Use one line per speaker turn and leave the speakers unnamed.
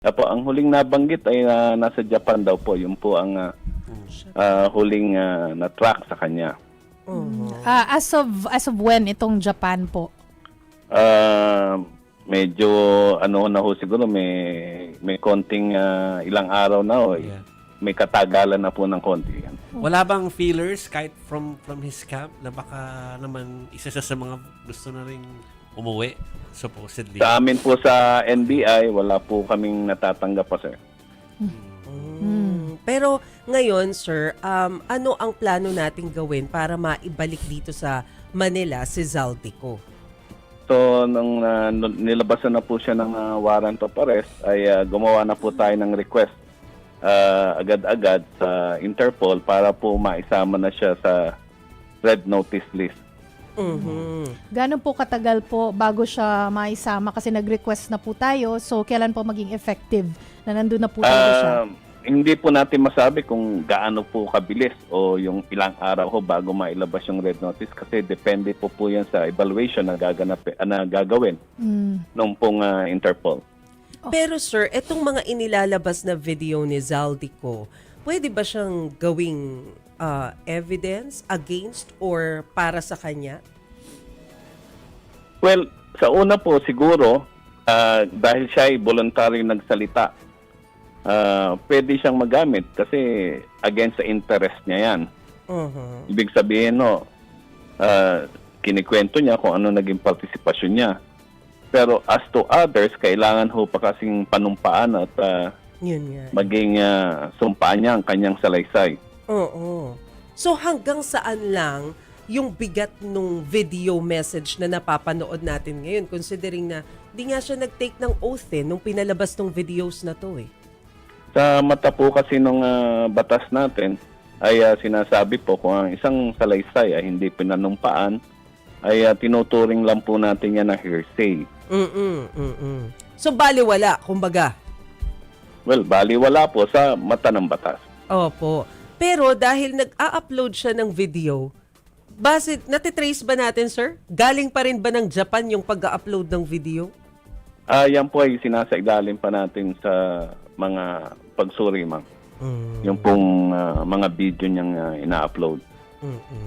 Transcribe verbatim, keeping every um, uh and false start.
Apo, ang huling nabanggit ay ah, nasa Japan daw po. Yun po ang ah, ah, huling ah, na-track sa kanya.
Ah, as of as of when itong Japan po?
Ah, medyo ano na ho siguro may may konting ah, ilang araw na ho. eh.
Yeah.
May katagalan na po ng konti yan.
Wala bang feelers kahit from from his camp na baka naman isa siya sa mga gusto na ring umuwi, supposedly?
Sa amin po sa N B I, wala po kaming natatanggap pa, sir.
Mm. Pero ngayon, sir, um, ano ang plano nating gawin para maibalik dito sa Manila si Zaldico?
So, nung ah, nung nilabasan na po siya ng ah, warrant of arrest, ay ah, gumawa na po tayo ng request ah, agad-agad sa Interpol para po maisama na siya sa red notice list.
Mhm.
Gano'n po katagal po bago siya maisama kasi nag-request na po tayo. So, kailan po maging effective na nandun na po tayo siya?
Ah, hindi po natin masabi kung gaano po kabilis o yung ilang araw ho bago mailabas yung red notice kasi depende po po yan sa evaluation na, gaganap, ah, na gagawin
Mm.
nung pong ah, Interpol.
Pero sir, etong mga inilalabas na video ni Zaldico, pwede ba siyang gawing ah, evidence against or para sa kanya?
Well, sa una po siguro, ah, dahil siya ay voluntary nagsalita, ah, pwede siyang magamit kasi against sa interest niya yan.
Mhm.
Ibig sabihin, no, ah, kinikwento niya kung ano naging partisipasyon niya. Pero as to others, kailangan ho pa kasing panumpaan at ah,
Yun nga.
maging ah, sumpaan niya ang kanyang salaysay.
Oo. So hanggang saan lang yung bigat nung video message na napapanood natin ngayon considering na di nga siya nag-take ng oath eh nung pinalabas tong videos na to eh.
Sa mata po kasi ng batas natin, ay ah, sinasabi po kung ang isang salaysay ay hindi pinanumpaan, ay ah, tinuturing lang po natin yan na hearsay.
Mm-mm, mm-mm. So baliwala, kumbaga.
Well, baliwala po sa mata ng batas.
Opo. Pero dahil nag-a-upload siya ng video, base, natitrace ba natin, sir? Galing pa rin ba ng Japan yung pag-upload ng video?
Ah, yan po ay sinasailalim pa natin sa mga pagsuri, ma'am.
Mm.
Yung pong ah, mga video niyang ah, ina-upload.
Mm-mm.